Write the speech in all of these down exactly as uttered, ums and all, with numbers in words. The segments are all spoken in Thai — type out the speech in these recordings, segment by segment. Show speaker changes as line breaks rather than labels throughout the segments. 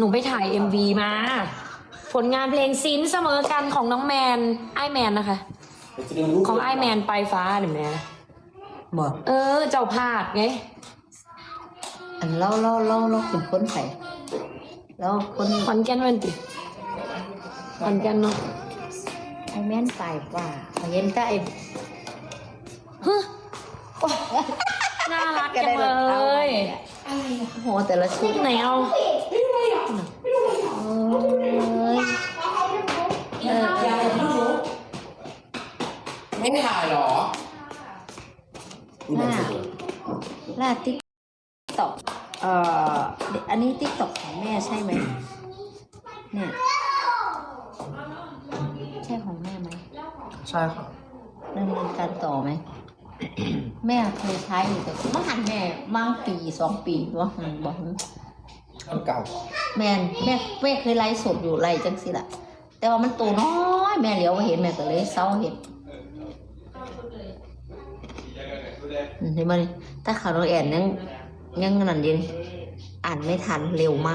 ไปถ่าย เอ็ม วี มา ผลงานเพลงซินเสมอกันของน้องแมนไอแมนนะคะ ของไอแมนไปฟ้าหรือแม่
บอก
เออ เจ้าพาดไง
อันเล่าเล่าเล่าเล่าเป็นคนใส่แล้วคน
ขอนแก่นวันติขอนแก่นเนาะ
ไอแม่นตายว่าเห็นแต่ไอ
ฮึน่ารักจังเลยอะไรอะ
โหแต่ละชุด
ไหนเอา
เอ้ยเออ
ไม่ถ่ายหรอ
ล่าล่าติ๊กต็อกเอ่ออันนี้ติ๊กต็อกของแม่ใช่ไหมเนี่ยใช่ของแม่ไหม
ใช่ค่ะ
ดำเนินการต่อไหม แม่เคยใช้อยู่แต่เมื่อหันแม่มั่งปีสองปีว่าหันบอก
อันเก่า
แม่นแม่แม่เคยไลฟ์สดอยู่ไลฟ์จังสิล่ะ แต่ว่ามันตัวน้อยแม่เหลียวมาเห็นแม่ก็เลยเศร้าเห็นอืมเห็นไหมถ้าข่าวน้องแอนยังยังนั่นดีอ่านไม่ทันเร็วมาก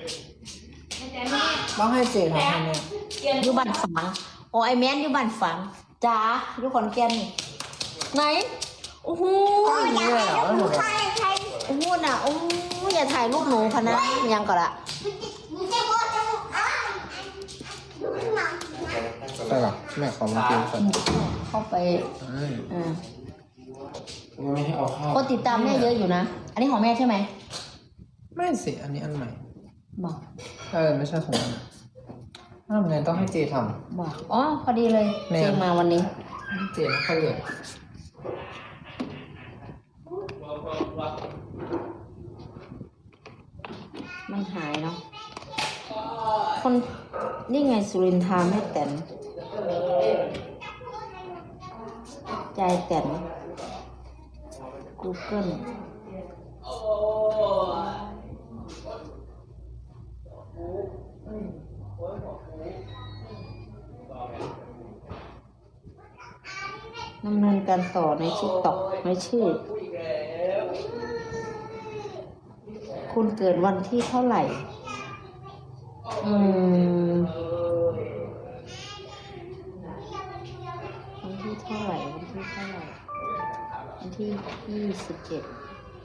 ต้องให้เจทำให้แม่
อยู่บ้านฝังโอ้ไอแม่นอยู่บ้านฝังจ้าอยู่ขอนแก่นนี่ไหนโอ้โห
นี่เลยเหรอหนู
โอ้โหน่ะโอ้ยอย่าถ่ายรูปหนูพะนะยังก่อนละ
ใช่หรอแม่ขอมากินก่อน
เข้าไป
อืม
อ่า
ไม่ให้เอาเข้า
คนติดตามแม่เยอะอยู่นะ อันนี้ของแม่ใช่ไหม
ไม่สิ อันนี้อันใหม่
บอก
เออไม่ใช่ของมันถ้าทำไงต้องให้เจท
บอกอ๋อพอดีเลย
แม่
เจงมาวันนี้
ำเจไม่ค่อยเลย
มันหายเนาะคนนี่ไงสุรินทราแม่แตนใจแตน Google ดำเนินการต่อในทิกตอกในชื่อ คุณเกิดวันที่เท่าไหร่ อืม วันที่เท่าไหร่ วันที่เท่าไหร่ วันที่ยี่สิบเจ็ด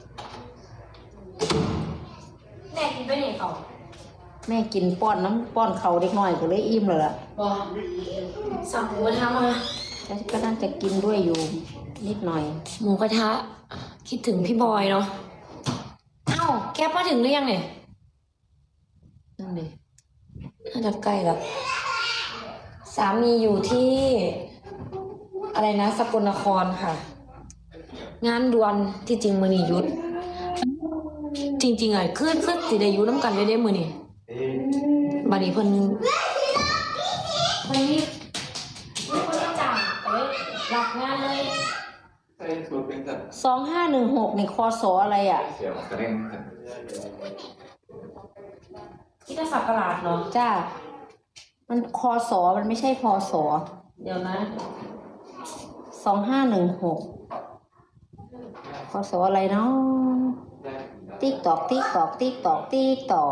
แม่กินไปไหนเขา
แม่กินป้อนน้ำป้อนเขาเด็กน้อยก็เลยอิ่มเลยล่ะ
บอกสั่งหมูกระทะมา
แล้วก็น่าจะกินด้วยอยู่นิดหน่อย
หมูกระทะ คิดถึงพี่บอยเนาะเอ้าแกมาถึงหรือยังเนี่ย
นั่นเลย
น่าจะใกล้แล้วสามีอยู่ที่ อะไรนะสกลนครค่ะ งานด่วนที่จริงมือนีหยุด จริงๆอ่ะคือคือสิได้อยู่น้ำกันได้ได้มือนี่บัดนี้เพิ่นเพิ่นนี่เพิ่นก็จ้างก็เลยรับงานเลย
ใช่สูตรเป็นแบบ
สองห้าหนึ่งหกนี่คอสออะไรอ่ะ
เสียวกระเด้งกัน
ที่จะสักการาดเนาะ
จ้า มันคอสอมันไม่ใช่พอสอ
เดี๋ยวนะ
สองห้าหนึ่งหกพอสออะไรเนาะติ๊กตอกติ๊กตอกติ๊กตอกติ๊กตอก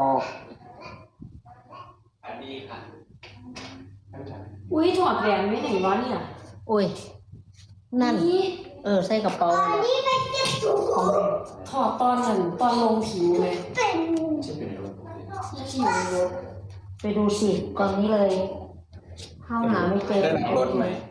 อันนี้ค่ะ
อุ้ยถอดแหวนไว้ไหนวะเนี่ย
โอ้ย นั่น
นี่
เออ ใส่กระเป๋าเลย
ถอดตอนนั้นตอนลงผิวเลย
จะเป็นรถ
ที่อยู่ในรถ
ไปดูสิตอนนี้เลยเข้าหาไม่เจอ
ได้หลังรถไหม